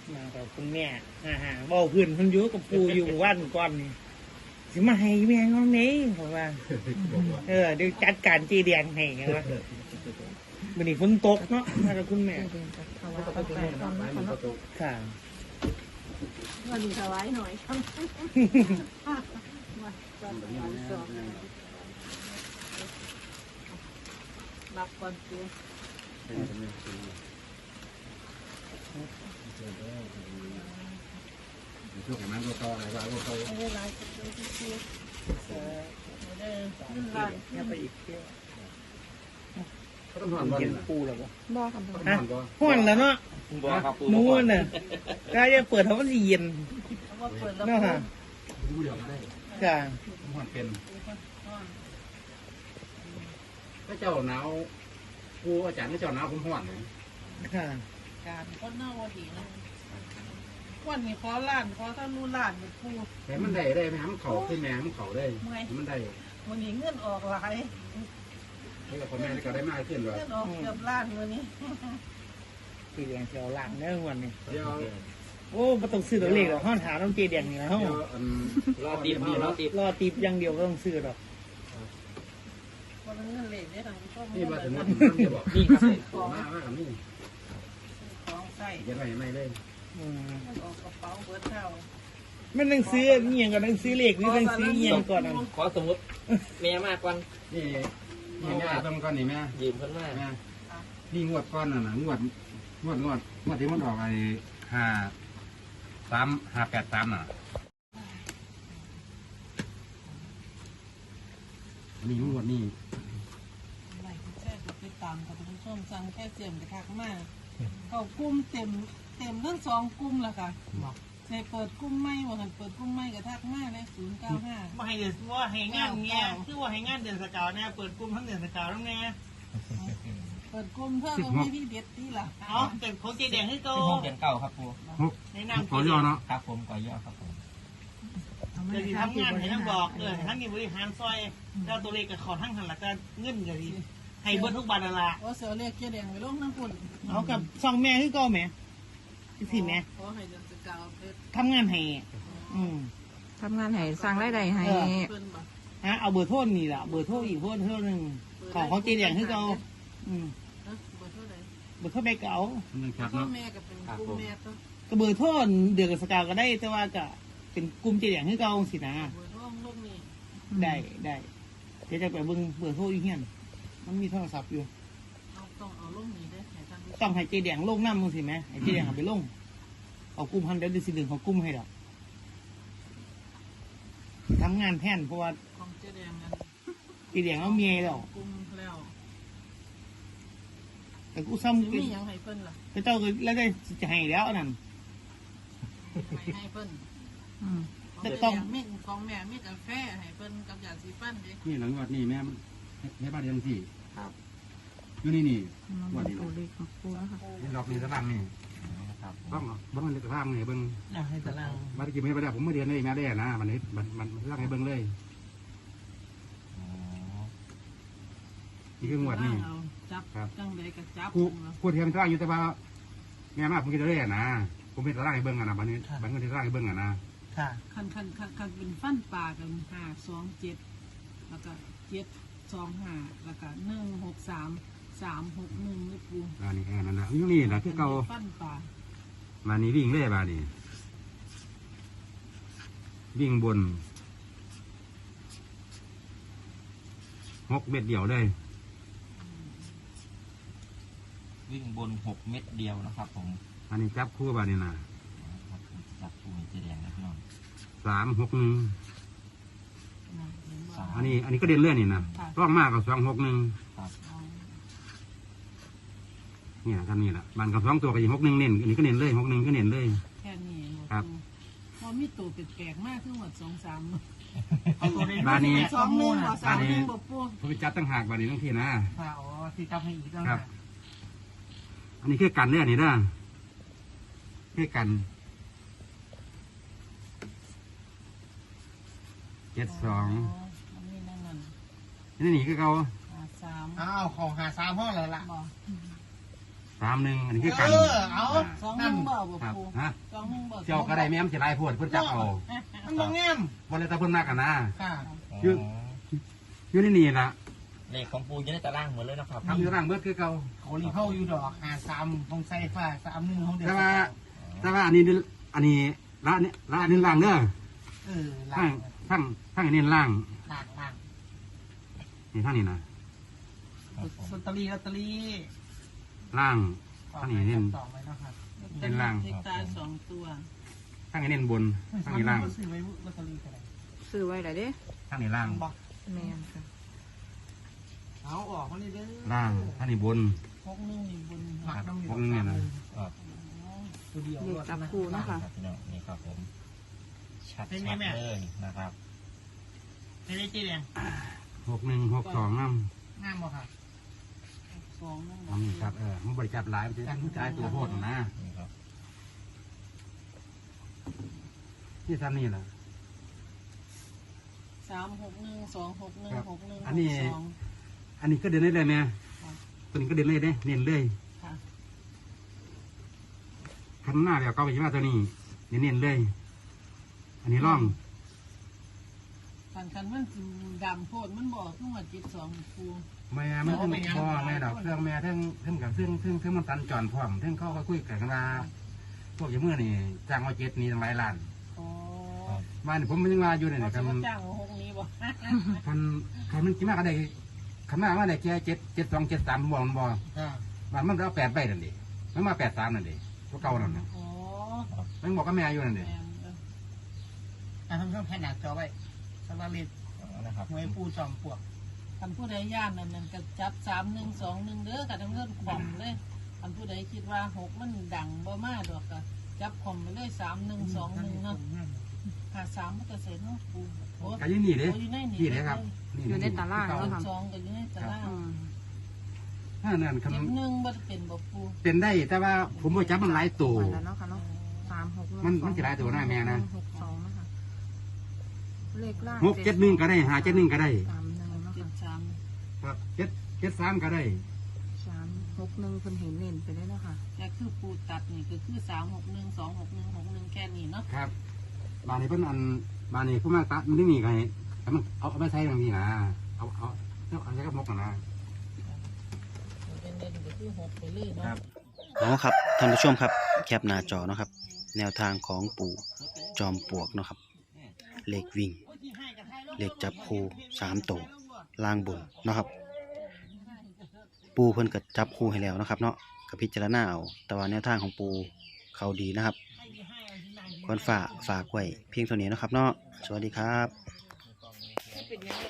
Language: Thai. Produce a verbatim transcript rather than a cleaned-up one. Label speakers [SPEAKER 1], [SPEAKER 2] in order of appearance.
[SPEAKER 1] มากับคุณแม่ฮ่าฮ่าเบาพื้นคนอยู่กับปูอยู่วันก่อนนี่สิมาให้แม่งเอาไหนผมว่าเออเดี๋ยวจัดการจีแดงให้ไงวะวันนี้ฝนตกเนาะมากับคุณแม่ค่ะ
[SPEAKER 2] วันนี้ถวายหน่อยครับรับก่อนตัว
[SPEAKER 3] ช่วงแห่งนั้นก็ต่ออะไรบ้างก็ต่อ
[SPEAKER 2] ไม่ได้ก็ตัวที่เชื่อไม่ได้นั่นละ
[SPEAKER 1] เนี่ยไปอีกเที่ยว
[SPEAKER 3] เขาต้องผ่อนบ่อยนะ
[SPEAKER 1] ปูแล้วบ่
[SPEAKER 2] บ่ครับบ่
[SPEAKER 1] ฮะห่อนแล้วเนาะนู้นน่ะก็จะเปิดเขามันเย็น
[SPEAKER 2] ว่าเปิดแล้ว
[SPEAKER 1] เนาะฮะ
[SPEAKER 3] ดูเดี๋ยวก็ได้
[SPEAKER 1] ค่ะ
[SPEAKER 3] ผ่อนเป็นถ้าเจ้าหนาวครูอาจารย์ถ้าเจ้าหนาวผมผ่อนเลย
[SPEAKER 1] ค่ะ
[SPEAKER 2] การคนหน้าวันดีนะวันนี้ขอล้านขอถ้ารู้ล้านเป็นผู้
[SPEAKER 3] แต่มันได้ได้ไหมมันเข่าขึ้นแม่มันเข่าได้มันได้
[SPEAKER 2] วันนี้เงินออกหลาย
[SPEAKER 3] ให้กับพ่อแม่ก็ได้มากขึ้นว่า
[SPEAKER 2] เงินออกเกือบล้านวันนี้
[SPEAKER 1] จีแดงเชียวหลังเนื้อวันนี้
[SPEAKER 3] เดี๋ยว
[SPEAKER 1] โอ้ประตูซื้อตัวเลขหรอกห้องถามต้องจีแดงนี่นะห้อง
[SPEAKER 3] รอตีบนี่รอตีบ
[SPEAKER 1] รอตีบอย่างเดียวก็ต้องซื้อหรอก
[SPEAKER 2] คนเงินเหล็กเนี่ยทางก็
[SPEAKER 3] นี่มาถึงมันมันจะบอกนี่ครับมากมากนี่
[SPEAKER 2] ของใส่
[SPEAKER 3] ยังไงไม่เลย
[SPEAKER 1] อืม
[SPEAKER 2] ออกกระเป๋าเบิร์ดเท่า
[SPEAKER 1] มันต้องซื้อเงียงก่อนต้องซื้อเลขหรือต้องซื้อเงียงก่อนอ่ะ
[SPEAKER 4] ขอสมมติแม่มากกว่า
[SPEAKER 3] นี่นี่แม่ต้องก้อนนี่แม่
[SPEAKER 4] ยืมเพิ่นมาก
[SPEAKER 3] แม่นี่งวดก้อนน่ะนะงวดงวดงวดงวดที่มันออกไอ้ห้าสามห้าแปดสามน่ะนี่งวดนี่
[SPEAKER 2] ไหนแค่ไปตามกับผู้ชมสั่งแค่เสียมไปทักมาเขากุ้มเต็มเต็มทั้งสองกุ้มแล้วค่ะในเปิดกุ้มไม่ว่าเปิดกุ้มไม่กับทักมาเลยศูนย์เก้าห้า
[SPEAKER 1] ว่าให้เดือนว่าให้งานเงี้ยคือว่าให้งานเดือนสกาวเนี่ยเปิดกลุ่มทั้งเดือนสกาวแล้วไง
[SPEAKER 2] เปิดกุ้มเพื่อลงที่ที่เด็ดที่ละ
[SPEAKER 1] เอาแต่ของจีแดงให้โต
[SPEAKER 4] ที่ห้องเรียนเก่าครับครู
[SPEAKER 3] หก
[SPEAKER 1] ในนาม
[SPEAKER 3] ขอย่อเนาะ
[SPEAKER 4] ครับผมก่อย่อครับผม
[SPEAKER 1] เดี๋ยวทำงานให้ทั้งบอกเออทั้งนี้บริหารซอยเจ้าตัวเลขกับขอทั้งหันหลักการเงินกันดีให้เบิร์ทุกบาทละ
[SPEAKER 2] ว่าเสือเรียกเกียแดงไปลงน้ำปุ่น
[SPEAKER 1] เอากับซองแม่คือก็แม่สิแม่
[SPEAKER 2] ขอให้เดือนสกาวเพชร
[SPEAKER 1] ทำงานให้อืม
[SPEAKER 5] ทำงานให้สร้างรายได้ให้
[SPEAKER 2] เพิ่นบ่
[SPEAKER 1] ฮะเอาเบอร์โทษนี่แหละเบอร์โทษอีกโทษเท่านึงของของจีแดงคือก็อืม
[SPEAKER 2] นะเบอร์เท่าไหร่
[SPEAKER 1] เบอร์โทษไปเก่า
[SPEAKER 3] มันครับ
[SPEAKER 2] พ่อ
[SPEAKER 3] เนาะ
[SPEAKER 2] แม่ก็เป็นกุ้มแม่ต้อง
[SPEAKER 1] ก็เบอร์โทษเดือนกับสกาวก็ได้แต่ว่าก็เป็นกลุ่มจีแดงคือเก่าสินะ
[SPEAKER 2] เบอร์ร่วมลูกนี่
[SPEAKER 1] ได้ได้เดี๋ยวจะไปเบิ่งเบอร์โทรอีกเฮียนมันมีโทรศัพท์อยู่
[SPEAKER 2] เอาต้องเอาลูกนี่ได้ให้ทาง
[SPEAKER 1] ต้องให้เจแดงลงน้ำมึงสิไหมให้เจแดงเอาไปลงเอากุ้มพันเดี๋ยวเดือนสิเดือนเขากุ้มให้ดอกทำงานแทนเพราะว่า
[SPEAKER 2] ของเจ๊แดงนั้น
[SPEAKER 1] เจแดงเอาเมียแล้ว
[SPEAKER 2] กุ้มแล้ว
[SPEAKER 1] แต่กูซ้ำ
[SPEAKER 2] มียังให้เพิ่นล่ะ
[SPEAKER 1] แต่เจ้าก็แล้วได้จะให้แล้วนั่น
[SPEAKER 2] ให้ให้เพิ่น
[SPEAKER 5] อืม
[SPEAKER 2] แต่ต้องมีของแม่มีกาแฟให้เพิ่นกับยาสีฟันดิ
[SPEAKER 3] นี่หลังงวดนี่แม่แม่บ้านเดียวที่
[SPEAKER 4] ครับ
[SPEAKER 3] อยู่นี่นี่
[SPEAKER 5] มา
[SPEAKER 3] ง
[SPEAKER 5] บ
[SPEAKER 3] ว
[SPEAKER 5] อ
[SPEAKER 3] ด
[SPEAKER 5] ก
[SPEAKER 3] นี้
[SPEAKER 5] ตัวเลขของครูแล้วค่ะ
[SPEAKER 3] นี่ดอกนี่ตารางนี่
[SPEAKER 4] ครับ
[SPEAKER 3] ต้องเบิ้งเลยตารางนี่เบิ้ง
[SPEAKER 1] เอาให้ตาราง
[SPEAKER 3] บัตรกี่ไม่ไปได้ผมไม่เรียนเลยแม่ได้นะมันนี้มันมันมันร่างให้เบิ้งเลย
[SPEAKER 4] อ๋อ
[SPEAKER 3] นี่คืองวดนี่
[SPEAKER 2] จับจังไดก็จับ
[SPEAKER 3] ครูครูเทียมตารางอยู่แต่ว่าแม่มากผมคิดได้นะผมเป็นตารางให้เบิ้งอ่ะนะบัตรนี้บัตรเงินที่ตารางให้เบิ้งอ่ะนะ
[SPEAKER 1] ค่ะ
[SPEAKER 2] คันคันคันคันเป็นฟันปลากันห้าสองเจ็ดแล้วก็เจ็ดสองห้าแล้วก็หนึ่งหกสามสามหกหนึ่งนี่ปู
[SPEAKER 3] อันนี้แค่นั้นนะอยู่นี่นะคือเก่า
[SPEAKER 2] ฟันปลา
[SPEAKER 3] มานี่วิ่งเล่บานี่วิ่งบนหกเม็ดเดียวได้
[SPEAKER 4] วิ่งบนหกเม็ดเดียวนะครับผม
[SPEAKER 3] อันนี้จับคู่บานี่นะ
[SPEAKER 4] จับปูเจแดงนะพี่น้อง
[SPEAKER 3] สามหกหนึ่ง
[SPEAKER 2] นะเห็นบ่
[SPEAKER 4] สาม
[SPEAKER 3] อันนี้อันนี้ก็เด่นเลื่อนนี่นะร่องมากกับสองหกหนึ่ง
[SPEAKER 4] ครับ
[SPEAKER 2] เอา
[SPEAKER 3] เนี่ยท่านนี่แหละมันกับสองตัวกับอีกหกหนึ่งเน้นอันนี้ก็เน้นเลยหกหนึ่งก็เน้นเลย
[SPEAKER 2] แค่นี้หมด
[SPEAKER 3] ครับ
[SPEAKER 2] พอมีตัวแปลกๆมากขึ้นหมดสองสาม
[SPEAKER 1] เอาตัวเลข
[SPEAKER 3] บ้านนี้
[SPEAKER 2] สองหนึ่งบ่สามหนึ่งบ่ปู
[SPEAKER 3] ผมไปจับตั้งหากบานี่ทั้งที่นะ
[SPEAKER 1] ค่ะอ๋อที่จับให้อีกแล้ว
[SPEAKER 3] ครั
[SPEAKER 1] นะ
[SPEAKER 3] บ อันนี้คือกันเนี่ยนี่นะคือกันเจ็ดสอง
[SPEAKER 2] อันนี้นั่นนั่น
[SPEAKER 3] นี่นี่คือเขา
[SPEAKER 2] ห้าสาม
[SPEAKER 1] อ้าวของหาสามห้องแล้วล่ะ
[SPEAKER 2] บ่
[SPEAKER 3] สามหนึ่งอันนี้คือกัน
[SPEAKER 1] เออเอา
[SPEAKER 2] สองหนึ่งบ่บ่
[SPEAKER 3] ครับ
[SPEAKER 2] ปู
[SPEAKER 3] ฮะ
[SPEAKER 2] สองหนึ่งบ่
[SPEAKER 3] เจ้าก็ได้แม่มจะลายพวดเพิ่นจับเอา
[SPEAKER 1] มันบ่งาม
[SPEAKER 3] วันเลยตะเพิ่นมากกันนะ
[SPEAKER 1] ค่ะ
[SPEAKER 3] ยืด อยู่ในนี่ล่ะ
[SPEAKER 4] เลขของปูอยู่ในตารางหมดเลยนะครับ
[SPEAKER 3] ทำอยู่ร่างเบิดคือเก่า
[SPEAKER 1] เขาลีเข้าอยู่ดอกหาสามของไซฟ้าสามหนึ่งของเดือ
[SPEAKER 3] แต่ว่าแต่ว่าอันนี้อันนี้ละเนี่ยละอันนี้ล่างเด้อ
[SPEAKER 1] เออ
[SPEAKER 3] ทั้
[SPEAKER 1] ล่าง ง
[SPEAKER 3] ทั้งทั้งอันนี้ล่าง
[SPEAKER 1] ล่างล่าง
[SPEAKER 3] นี่ทั้งนี้นะ
[SPEAKER 1] ลอตเตอรี่ลอตเตอรี่
[SPEAKER 3] ล่างทั้งนี้เน้น
[SPEAKER 1] สองไว้นะครับ
[SPEAKER 3] เป็นล่าง
[SPEAKER 2] เลขตายสองตัว
[SPEAKER 3] ทั้งอันนี้เน้นบนทั้งนี้ล่าง
[SPEAKER 1] ซื้อไว้ลอตเตอรี่กันเลย
[SPEAKER 5] ซื้อไว้ได้เด้
[SPEAKER 3] ทั้งนี้ล่าง
[SPEAKER 1] บอก
[SPEAKER 5] แม่นค่ะ
[SPEAKER 1] เอาออกมานี่เด้อ
[SPEAKER 3] ล่างทั้งนี้บน
[SPEAKER 2] หกหนึ่งนี่บน
[SPEAKER 1] หมักน้ำอยู่
[SPEAKER 3] พวกนี้เนี่ยนะ
[SPEAKER 1] ตัวเดียว
[SPEAKER 5] เลขจับคู่เนาะค่ะ
[SPEAKER 4] ครับพี่น้องนี่ครับผมชัด
[SPEAKER 1] เป็นไง
[SPEAKER 4] ชัด
[SPEAKER 1] แม่
[SPEAKER 4] เลยนะครับ
[SPEAKER 1] ไม่ได้จีแดง
[SPEAKER 3] หกหนึ่งหกสองน้
[SPEAKER 1] งามบ่ค่ะ
[SPEAKER 2] สองนั่น
[SPEAKER 3] ำอันนี้ครับเออมันบริจาคหลายมันจะมันจ่ายตัวโพดนะ
[SPEAKER 4] นี่ครับ
[SPEAKER 3] ที่ซ้ำนี่แหละ
[SPEAKER 2] สามหกหนึ่งสองหกหนึ่งหกหนึ่ง
[SPEAKER 3] อันนี้
[SPEAKER 2] สอง
[SPEAKER 3] อันนี้ก็เดินได้เลยแม่ตัวนี้ก็เดินเลยเด้เน้นเลย
[SPEAKER 2] ค่ะ
[SPEAKER 3] คันหน้าเดี๋ยวก็ไปที่ว่าตัวนี้เน้นๆเลย อันนี้ร่อง
[SPEAKER 2] คันคันมันสิดำโพดมันบอกขึ้นมาจิตสองปู
[SPEAKER 3] แม่มันเพิ่งพ่อแม่ดอกเครื่องแม่เท่งเท่งกับเท่งเท่งเท่งมันตันจอนพร้อมเท่งเข้าก็คุยกันว่าพวกอย่างเมื่อนี่จ้างมาเจ็ดนี่ตั้งหลายล้าน
[SPEAKER 2] อ๋อ
[SPEAKER 3] บ้านผมมันยังว่าอยู่เนี่ย
[SPEAKER 2] เขา
[SPEAKER 3] คั
[SPEAKER 2] จะ
[SPEAKER 3] น
[SPEAKER 2] มาจ้างหกนี้บ่
[SPEAKER 3] คันคันมันกี่มากก็ได้คันมากว่าได้แค่เจ็ดเจ็ดสองเจ็ดสามบ่มันบ่
[SPEAKER 1] ค่ะ
[SPEAKER 3] บ้านมันเอาแปดใบนั่นดิมันมาแปดสามนั่นดิตัวเก่านั่นน่ะ
[SPEAKER 2] อ๋อ
[SPEAKER 3] มันบอกกับแม่อยู่นั่นดิ
[SPEAKER 2] แม่นเด้อ
[SPEAKER 1] อ่ะท่านผู้ชมแผ่นหนาจอไว้สำหรับเลข
[SPEAKER 4] เอานะครับ
[SPEAKER 1] หน่วยปูจอมปลวก
[SPEAKER 2] คันผู้ใดย่านนั่นนั่นก็จับสามหนึ่งสองหนึ่งเด้อกับทั้งเงินขวมเลยคันผู้ใดคิดว่าหกมันดังบ่มาดอกก็จับขวมไปเลยสามหนึ่งสองหนึ่งเนาะหาสามมันก็เสร็จเนาะปูโอ้
[SPEAKER 3] ก็อยี่นี่เด้
[SPEAKER 2] โอ้อยู่ในนี่
[SPEAKER 3] ที่เด้ครับ
[SPEAKER 5] อยู่ในตาราง
[SPEAKER 2] สอ
[SPEAKER 5] เนาะ
[SPEAKER 2] ง
[SPEAKER 5] ค่ะ
[SPEAKER 2] สองก็อยู่ในตาราง
[SPEAKER 5] อืม
[SPEAKER 3] ถ้านั่นคัน
[SPEAKER 2] เจ็บหนึ่งบ่ได้เป็นบ่ปู
[SPEAKER 3] เป็นได้แต่ว่าผมบ่จับมันหลายตัว
[SPEAKER 5] วันแล้วเนาะค่ะเนาะสามหกหง
[SPEAKER 3] มันมันสิหลายตัวหน้าแม่นะ
[SPEAKER 5] หกสองนะคะเลขล่าง
[SPEAKER 3] หกเจ็ดหนึ่งก็ได้หาเจ็ดหนึ่งก็ได้
[SPEAKER 5] สามหนึ่งเนาะ
[SPEAKER 2] เจ็
[SPEAKER 5] ค่ะ
[SPEAKER 2] ดสาม
[SPEAKER 3] ครับเจ็ดเจ็ดสามก็ได้
[SPEAKER 5] สามหกหนึ่งเพิ่นเห็นเน้นไปได้เนาะค่ะ
[SPEAKER 2] แต่คือปูตัดนี่ก็คือสามหกหนึ่งสองหกหนึ่งหกหนึ่งแค่นี้เนาะ
[SPEAKER 3] ครับบานนี้เพิ่นอันบานนี้ผู้มากตัดมันไม่มีใครแต่มันเอาเอาไปใช้ตรงนี้นะเอาเอาเอาเอาใช้กับมกนะ
[SPEAKER 2] เป็นเด่นก็คือหกไปเลยเนาะ
[SPEAKER 6] อ๋อครับท่านผู้ชมครับแคปหน้าจอเนาะครับ แนวทางของปู่จอมปลวกเนาะครับเลขวิ่งเลขจับคู่สามตัวล่างบนเนาะครับ ปูเพิ่นก็จับคู่ให้แล้วนะครับ เนาะกับพิจารณาเอาแต่ว่าแนวทางของปูเขาดีนะครับควรฝากฝากไว้เพียงเท่านี้เนาะครับ เนาะสวัสดีครับ